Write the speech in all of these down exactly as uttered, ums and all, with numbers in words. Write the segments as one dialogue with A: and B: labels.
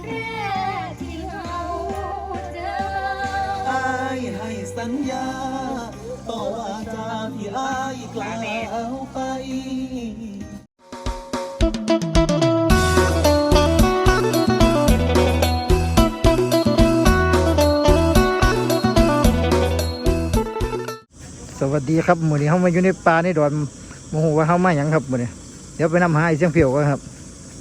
A: แรกที่เราเจอ
B: อายให้สัญญาต่อว่าจาที่อายกล่าวไป
C: สวัสดีครับหมู่นี้เขามาอยู่ในป่าในดอนโมโหว่าเขามาอย่างครับหมู่นี้เดี๋ยวไปนำหาไอ้เสียงเพียวกันครับ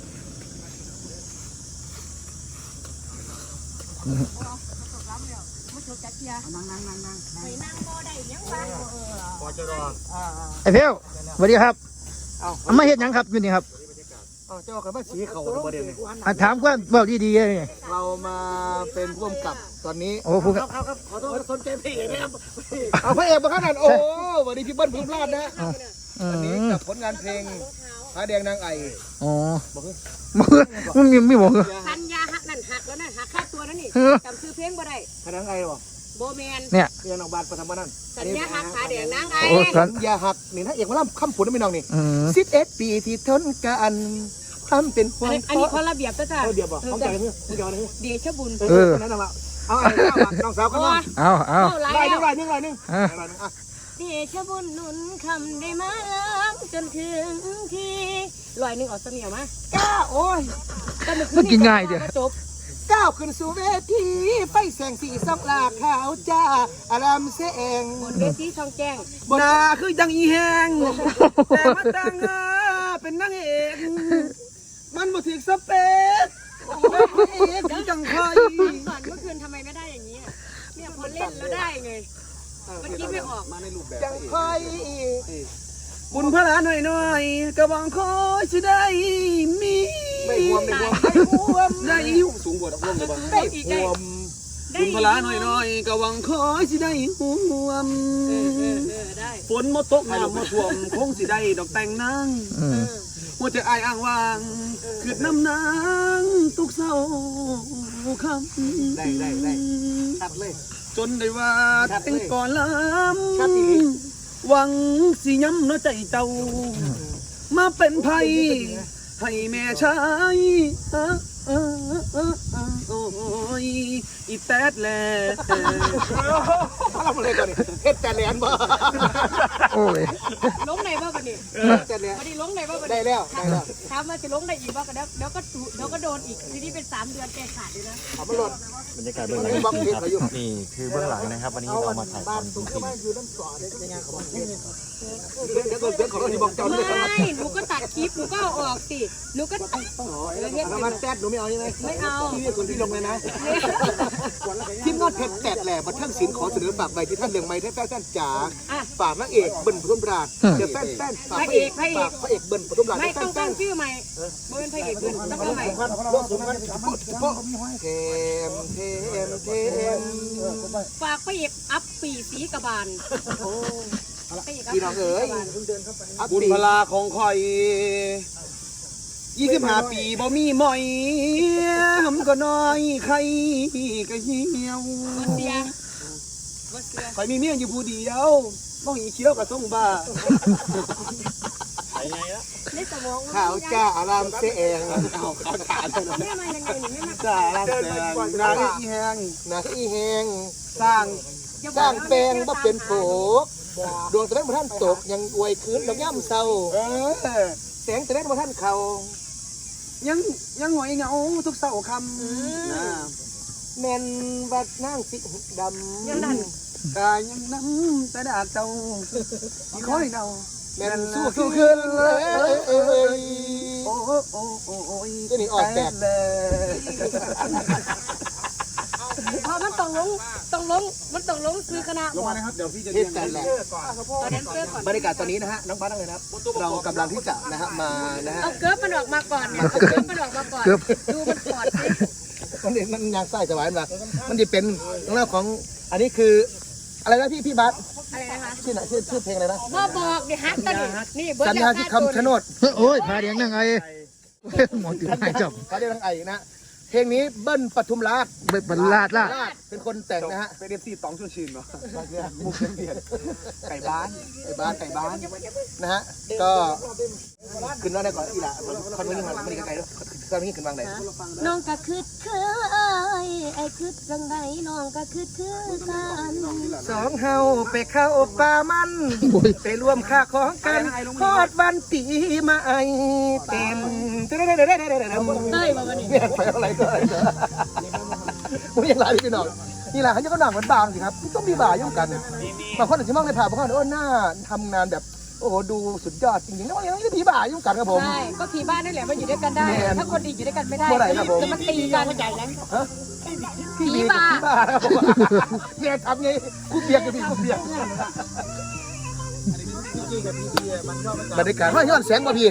C: ไอ้เพียวสวัสดีครับเอามาเห็นยังครับอยู่นี่ครับ
D: เจ้ากับมาสีเขาประเด็นนี้
C: ถามว่าเบาดีๆเลย
D: เรามาเป็นร่วมกับตอนนี้
C: โอ้ผู้
D: ครับครับขอโทษสนใจพี่นะครับเอาพระเอกมาขนาดโอ้วันนี้พี่เบิ้ลพิมพ์ลาดนะอันนี้กับผลงานเพลงพระแดงนางไอ
C: อ๋อมันมีไม่บอกเหรอ
A: สัญญาหักนั่นหักแล้วนั่นหักค่าตัวนั่นนี่จำซื้อเพลงบ่ได้
D: พระแดงไอวะ
A: โบแมน
C: เนี่ย
D: เรียนออกบาทประธรรมนั่น
A: สัญญาหักขาแดงนางไอ
D: สัญญาหักนี่ถ้าเอกมาล่ำคำผุนไม่น้องนี่สิบเอ็ดปีที่ทนกันทำเป็นความ
A: อันนี้คนระเบียบจ้าจ้า
D: เดียวบอกต้องใจเพื่อนต้องใจเพื่อน
A: เดชบุญ
D: เออนั่นแหละเอาไอ้น้องสาวก็น้อง
C: เอาเอา
D: ลายนึงลายนึงลายนึง
A: เดชบุญหนุนคำได้มาจนถึงที่ลอยหนึ่งออกเสมียวมา
D: ก้าโอ้ย
C: มันกินง่ายเดียว
A: จบ
D: ก้าวขึ้นสู่เวทีไฟแสงสีส่องลาขาวจ้าอารามเสง
A: บนเวทีช่องแจ้ง
D: บนาคือยังอีแหงแต่มาตั้งเป็นนางเอกมันบ่ถึงสเปคเอกจังคอย
A: สอนเมื่อคืนทำไมไม่ได้อย่างนี้เนี่ยพอเล่นแล้วได้ไงมันคิดไม่ออกมาในรูปแบบ
D: จังคอยบุญพระลาหน่อยหน่อยกระวังคอยจะได้มีไม่ห่วมไม่ห่วมไม่ห่วมได้สูงกว่าห่วมเลยบ้าง
A: ได้อีกได้
D: บุญพระลาหน่อยหน่อยกระวังคอยจะได้ห่วมฝนมาตกน้ำมาท่วมคงสิได้ดอกแต่งนางหัวใจอายอ้างว่างคือน้ำนางตุกเศร้าคำได้ได้ได้ชัดเลยจนได้ว่าแต่งก่อนลำหวังสิย้ำน้อยใจเจ้ามาเป็นไผ่ให้แม่ชายโอ้ยอีแตดแหล่เราเลยก่อนนี่เฮ็ดแต่แหลนบ่
C: โอ้ย
A: ล้มไหนบ้างกันนี่
D: แต่แหลน
A: พอดีล้มไหนบ้างกัน
D: ได้แล้วได้แล้ว
A: ถามว่าจะล้มได้อีกบ้างกันเดี๋ยวเดี๋ยวก็เดี๋ยวก็โดนอีกทีนี้เป็นสามเดือนแกขาดเลยนะ
D: เอามาหลด
E: บรรยากาศเบื้องหลังนะครับนี่คือเบื้องหลังนะครับวันนี้เรามาถ่ายทำจริงๆ
A: ไม่หนูก็ตัดคลิปหนูก็เอาออกสิหนูก็
D: ทำมันแซดหนูไม่เอาใช่ไหม
A: ไม่เอา
D: ที่นี่คนที่ลงเลยนะทีมงานเพชรแตดแหล่บันเทิงศิลป์ขอเสนอฝากไว้ที่ท่านเรืองไม้แท้แฟนจ๋าฝากนางเอกเบิ้ลปทุมราชเดี๋ยวแฟนแฟนฝากพระเอกพระเอกเบิ้ลปทุมราช
A: ไม่ต้องตั้งชื่อใหม่เบิ้ลพระเอกเบิ้ลต้องตั้งใหม่
D: เทมเทมเทม
A: ฝากพระเอกอัพปีสีกระบาล
D: พี่น้องเอ๋ยบุญพลาของคอยยี่สิบห้าปีบ่มีหมอยหำก็น้อยใครก็เหี่ยวคอยมีเมียอยู่ผู้เดียวบ่หีเชี่ยวกับส่งบ้าข่าวจ้าอารามเสงเอาข่าวจ้าจ้าอารามเสงนาอีแหงนาอีแหงสร้างสร้างแปลงบ่เป็นโผดวงตะเล่นมาท่านตกยังอวยคืนดอกย่ำเศร้าแสงตะเล่นมาท่านเขายังยังหอยเงาทุกเศร้าคำแม่นบัดนั่งสิดำกายยังน้ำตะดาเจ้าที่คอยเนาแม่นสู้สู้ขึ้นเลยโอ้โอ้โอ้โอ้ยตัวนี้ออกแบบเลย
A: พอมันต้องลงต้องลงมันต้องลงซื้อคณะ
D: ลงมานะครับเดี๋ยวพี่จะเรียนแต่แหละบรรยากาศตอนนี้นะฮะน้องบ้านนั่งเลยนะครับเรากำลังที่จะนะฮะมานะฮะ
A: เอาเกิร์ฟมันออกมาก่อนเนี่ยเอาเกิร์ฟมันออกมาก่อนดูมันปอดสิ
D: มันมันยางไส้สวายมามันจะเป็นเรื่องของอันนี้คืออะไรนะพี่พี่บัส
A: อะไรนะคะ
D: ชื่อไหนชื่อชื่อเพลงอะไรนะ
A: บ่บอกเดี๋ยวฮักกันนี่
D: สัญญาที่คำชะโนด
C: โอ้ยพาเดียงนั่งไงหมอตื่นให้จับ
D: พาเดียงนั่งไงนะเพลงนี้เบิ้ลปทุมราช
C: เบิดบรรลาดล่ะ
D: เป็นคนแต่งนะฮะ
B: เป็นเอฟซีตองชุนชินเนาะมุกเปลี่ยนไก่บ้าน
D: ไก่บ้านไก่บ้านนะฮะก็ขึ้นว่าได้ก่อนอีหล่ะคนนี้มันมันไก่ด้วยคนนี้ขึ้นวางไหน
A: น้องก็คืดเคยไอ้คืดจังไดน้องก็คืดคือกัน
D: สองเฮาไปเข้าป่ามันไปร่วมค่าของกันทอดวันปีมาไอเต็มเด้อเด้อเด้อเด้อเด้อ
A: เต้ยมาวันนี้
D: เนี่ยไปอะไรก็อะไรผมยังไรพี่น้องนี่แหละเขาจะก็หนังเหมือนบางสิครับต้องมีบ่ายุ่งกันบางคนอาจจะมองในผ่าบางคนโอ้หน้าทำงานแบบโอ้โหดูสุดยอดจริงๆแล้วยังไม่ผีบ่ายุ่งกันครับผม
A: ใช่ก็ผีบ้านนั่นแหละมาอยู่ด้วยกันได้ ถ้าคนดีอยู่ด้วยกันไม่ได้
D: เมื่อไหร่ครับผม
A: จะมาตีกันใจแล้ว
D: ฮะ
A: ผีบ้า
D: ผีบ้าครับผมเนี่ยทำไงกูเบียกกับพี่กูเบียกบรรยากาศว่าย้อนแสงป่ะพี่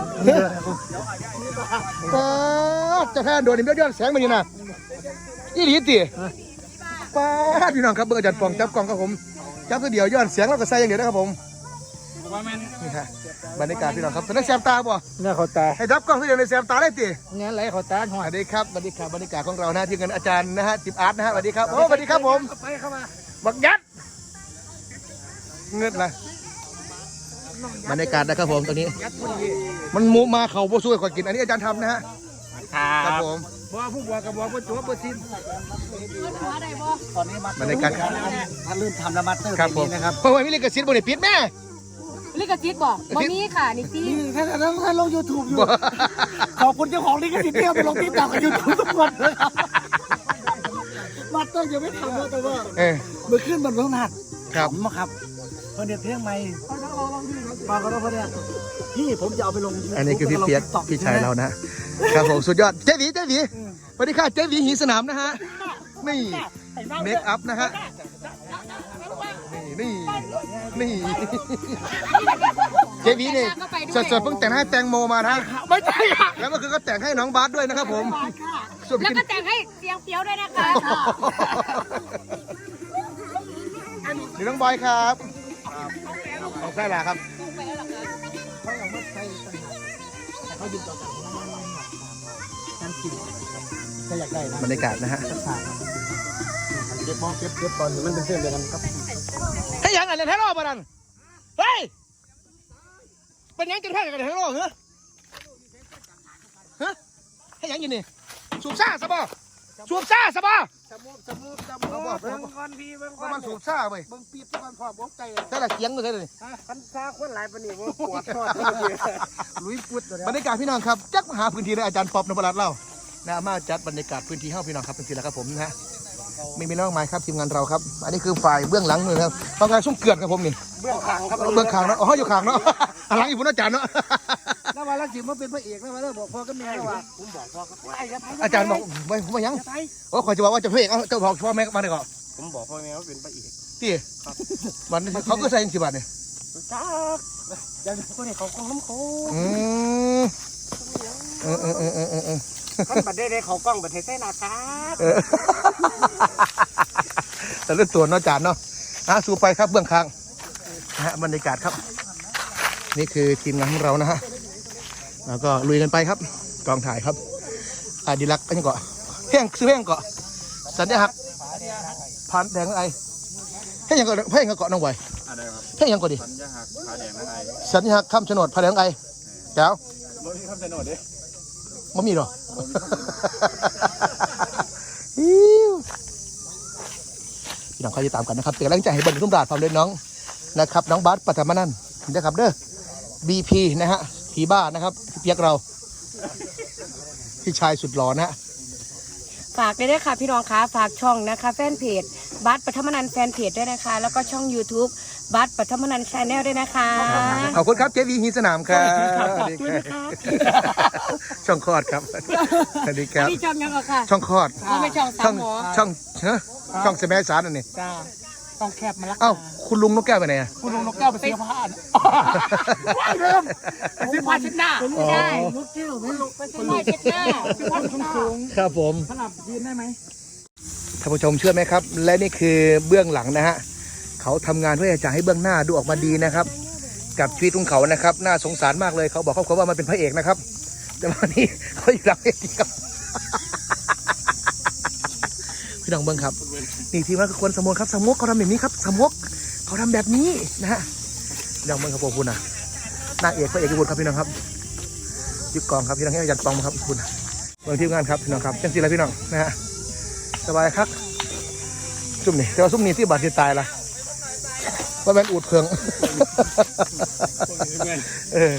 D: ป้าจะแทนโดนนี่ย้อนแสงมาอยู่นะนี่หลีตีป้าพี่น้องครับเบอร์อาจารย์ปองจับกล่องครับผมจับตัวเดียวย้อนแสงแล้วก็ใส่อย่างเดียวนะครับผมนี่ฮะบรรยากาศพี่น้องครับตอนนั้นแซมตาบ่
C: เนี่ยเขาตา
D: ให้จับกล้องตัวเดียวในแซมตาได้ตี
C: เงี้ยไหลเขาตาห
D: ส
C: อย
D: วัสดีครับสวัสดีครับบรรยากาศของเรานะที่กันอาจารย์นะฮะจิบอาร์ตนะฮะสวัสดีครับโอ้สวัสดีครับผม
C: ไปเข้ามา
D: บักยัดเงินนะบรรยากาศนะครับผมตอนนี้ มันมูมาเขาโบช่วยขอกินอันนี้อาจารย์ทำนะฮะครับผม
C: บัวผู้บัวกับบัวผู้จัวผู้สิ้น
B: ตอนนี้มา
D: บรรยากาศครับ
B: ถ้าเริ่มทำแล้วมาสเตอร์
D: ครับผม
B: นะครับ
D: เพราะว่ามิลิกซิตบนนี้ปิดแม่
A: ลิขสิทธิ์บอกบ่มีค่ะนี่จี
B: นี่ถ้าถ้าถ้าลงยูทูบอยู่ขอบคุณเจ้าของลิขสิทธิ์ที่เอาไปลงติ๊กต็อกกับยูทูบทุกคนเลยครับมาสเตอร์ยังไม่ทำเลยแต่ว่า
D: เออ
B: เมื่อขึ้นบนเรื่องนัด
D: ครับ
B: ผมอะครับเพื่อนเดียเพลงใหม่มาก็ต้องเพื่อนเนี่ยพี่ผมจะเอาไปลง
D: อันนี้คือพี่เปียกพี่ชายเรานะนะครับผมสุดยอดเจ๊หวีเจ๊หวีสวัสดีค่ะเจ๊หวีหีสนามนะฮะนี่เมคอัพนะฮะนี่นี่นี่เจ๊หวีนี่สดๆเพิ่งแต่งให้แตงโมมานะ
B: ไม่ใช่ค่ะ
D: แล้วก็คือก็แต่งให้น้องบาสด้วยนะครับผมส่วน
A: แล้ว
D: กิน
A: ก็แต่งให้เสียงเปียวด้วยนะคะ
D: นี่น้องบอยครับของใช่แหละครับบรรยากาศนะฮะ
B: เก็บมองเก็บเก็บก่อนมันเป็นเส้นเดียวกันครับ
D: ให้ยังไงเนี่ยแท้รอบมาดันเฮ้ยเป็นยังจะแท้กันแท้รอบเหรอฮะให้ยังอยู่นี่สูบซ่าสบอสูบซ่าสบอ
B: จมูกจมูกจมูกเบิ่งก่อนพี่เบิ่งก่อน
D: มันสูบซ่าไป
B: เบิ่งปีบก่อนพร้อมอกใจ
D: ใช่ละเสียงเลยใช่เลย
B: พันซาคนหลายปานนี้บ่ปวดทอดลุยปุด
D: บรรยากาศพี่น้องครับจักมาหาพื้นที่เลยอาจารย์ป๊อบนพรัตน์เล่านะมาจัดบรรยากาศพื้นที่ให้พี่น้องครับเป็นทีละครับผมนะฮะไม่มีน้องไม้ครับทีมงานเราครับ อันนี้คือฝ่ายเบื้องหลังเลยครับทำงานสุ่มเกลือนครับผมนี่
B: เบื้องขางครับ
D: เบื้องขางเนาะอ๋ออยู่ขางเนาะหลังอีกพุ่นอาจารย์เนาะ
B: แล้วว่าลักสิมาเป็นพระเอกแล้วว่าแล้วบอกพ่อกับแม่ว่าผมบอกพ่อกับไอ้ยับ
D: อาจารย์บอกไม่ผมมายังโอ้ขอจะบอกว่าจะเพลงเอาเจ้าบอกพ่อแม่มาเลยก่อน
B: ผมบอกพ่อแม่ว่าเป็นพระเอก
D: ที่วันนี้เขาก็ใส่กี่บาทเนี่ย
B: จ้าอย่างคนนี้เขาคงน้ำโค
D: อืมเออเออเออเออเออ
B: ท่านบัดได้ได้เขากล้องบัดเทใส่หน้าครับ
D: เออแต่เรื่องตัวเนาะอาจารย์เนาะอ่ะสู่ไปครับเบื้องข้างนะฮะบรรยากาศครับ นี่คือทีมงานของเรานะฮะแล้วก็ลุยกันไปครับกองถ่ายครับอดีลักษณ์อันนี้เกาะเพ่งซื้อเพ่งเกาะสัญญาหักผ่านแดงไอเพ่งยังเกาะเพ่งยังเกาะน้องไวเพ่งยังเกาะดิสัญญาหักผ่านแดงไอสัญญาหักคำโฉนดผ่านแดงไอเจ้าบ่มีคำโฉนดดิบ่มีหรอพี่น้องเขาจะตามกันนะครับเป็นกำลังใจให้เบิ้ลทุ่มราชความเล่นน้องนะครับน้องบาสปัทมานันท์นะครับเด้อ บี พี นะฮะผีบ้านะครับพี่เปียกเราพี่ชายสุดหล่อนะฮะ
A: ฝากด้วยนะคะพี่น้องคะฝากช่องนะคะแฟนเพจบัสปฐมนันท์แฟนเพจด้วยนะคะ แล้วก็ช่อง YouTube บัสปฐมนันท์ชาแนลด้วยนะคะ
D: ขอบคุณครับเจวีฮีสนามครับสวัสดีครับช่องคลอดครับสวัสดีครับ
A: นี่ช่องยังเหรอคะ
D: ช่องคลอด
A: เราไม่ช่องสา
D: ช่อ
A: ม
D: ง
A: หมอ
D: ช่องเฮ้ช่องสมัยสารนั่นนี่
B: จ้าต้องแคบมาละ
D: เอ้าคุณลุงนกแก้วไปไหนอะ
B: คุณลุงนกแก้วไปเสียผ้าว้ายเริ่มไปซื้อผ้าเช็ดหน้า
A: ไม่ได้
B: นกแก้วไม่รู้
A: ไปซื้อไม้เช็ดหน้า
B: ผ้าสูง
D: ครับผม
B: ๆสลับยืนได้ไหม
D: ท่านผู้ชมเชื่อไหมครับ และนี่คือเบื้องหลังนะฮะเขาทำงานเพื่อจะให้เบื้องหน้าดูออกมาดีนะครับ กับชีวิตของเขานะครับน่าสงสารมากเลยเขาบอกครอบครัวว่ามันเป็นพระเอกนะครับแต่วันนี้เขาอยู่หลังเวทีครับพี่น้องเบิ้งครับนี่ทีมงานคนสมุกครับสมุกเขาทำแบบนี้ครับสมุกเขาทำแบบนี้นะฮะพี่น้องเบิ้งครับพวกคุณนะนางเอกพระเอกบุตรครับพี่น้องครับยึดกองครับพี่น้องให้อาจารย์ปองครับคุณเบิ้งทีมงานครับพี่น้องครับจังสิละพี่น้องนะฮะสบายครับซุ่มนี่แต่ว่าซุ่มนี่ที่บาดที่ตายละว่ามันอูดเพิงเออ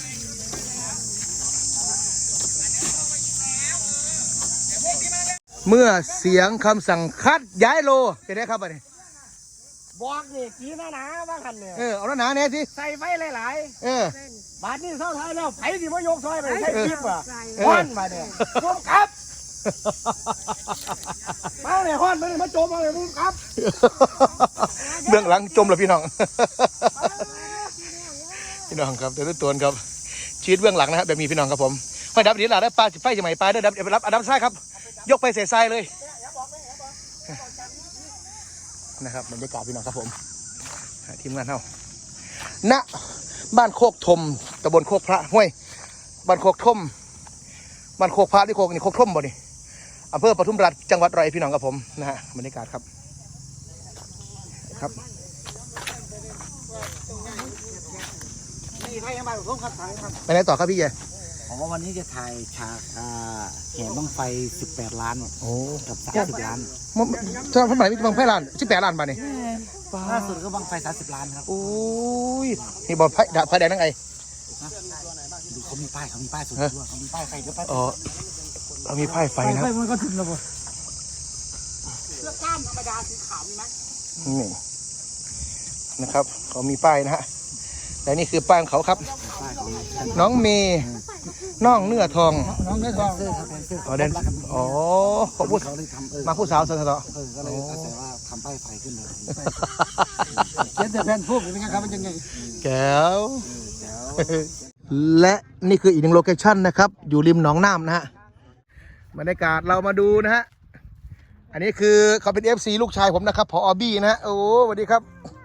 D: เมื่อเสียงคำสั่งคัดย้ายโลเป็นไงครับอันนี้
B: บอกนี่กีหน้าหนาว่ากันเนี่ย
D: เออเอาหน้าหนาเนี่ยสิ
B: ใส่ไฟหลาย
D: เออ
B: ๆบาทนี่เท่าไทยแล้วไผสิมายกซอยไปใช้คลิปอ่ะ
D: เออ
B: ฮ้อนมาเนี่ยพุ่มครับมาเลยฮ้อนมาเลยมาโจมมาเลยพุ่มครับ
D: เบื้องหลังจมแล้วพี่น้องพี่น้องครับเดี๋ยวตัวครับชีวิตเบื้องหลังนะครับแบบมีพี่น้องครับผมห้อยดับดีหล่ะได้ปลาไฟจะใหม่ปลาได้ดับเดี๋ยวไปรับอดัมไส้ครับยกไปเสียทรายเลยนะครับบรรยากาศพี่น้องครับผมทีมงานเฮาณบ้านโคกธมตำบลโคกพระห้วยบ้านโคกธมบ้านโคกพระที่โคกนี่โคกธมบ่นี่อำเภอปทุมราชจังหวัดร้อยเอ็ดพี่น้องครับผมนะฮะบรรยากาศครับครับ
B: นี่ไทยยังมาพุ่มครับทางครับ
D: ไปไหนต่อครับพี่เจ
B: อ๋อวันนี้จะถ่ายฉากอ่าแห่บั้งไฟสิบแปดล้าน
D: โอ้
B: กับสามสิบล้าน
D: มันจะทำไมมีบางแพร่ล้านสิบแปดล้านบาทนี่
B: ล่าสุดก็บั้งไฟสามสิบล้านครับ
D: โอ้ยนี่บอลไพ่ไพ่แดงนั่งไง
B: ดูเขามีป้ายเขามีป้ายสุดด้วยเขามีป้ายไฟเดี๋ยวป้าย
D: อ๋อเรามีไพ่ไฟนะค
B: ไฟ
D: รับ
B: มันก็ถึงแล้วบ่เสื้อกล้ามธรรมดาสีขาวมีไหม
D: นี่นะครับเขามีป้ายนะฮะแต่นี่คือป้ายของเขาครับ น้องเมย์น้องเนื้อทอง
B: น้องเนื้อทองเสื้อครับเสื้อ
D: อ๋อเดนอ๋อเขาพูด
B: เขาเลยทำเออ
D: มาผู้สาวสะเทาะ
B: เออก็เลยอาศัยว่าทำป้ายไฟขึ้นเลยเขียนแต่แผ่นพวกเป็นไงครับมันยังไง
D: แก้วและนี่คืออีกหนึ่งโลเคชั่นนะครับ อยู่ริมหนองน้ำนะฮะบรรยากาศเรามาดูนะฮะอันนี้คือเขาเป็น เอฟ ซี ลูกชายผมนะครับผอบี้นะฮะโอ้สวัสดีครับ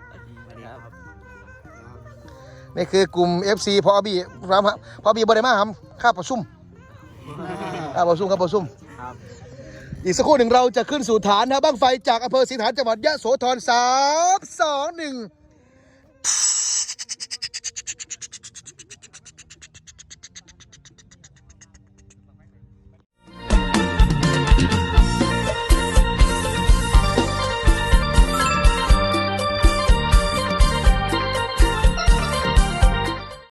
D: นี่คือกลุ่ม เอฟ ซี พอบี้ครับพอบี้บริมาครับข้าประชุมข้าประชุมข้าประชุมอีกสักครู่หนึ่งเราจะขึ้นสู่ฐานนะบั้งไฟจากอำเภอศรีฐานจังหวัดยะโสธรสามสองหนึ่ง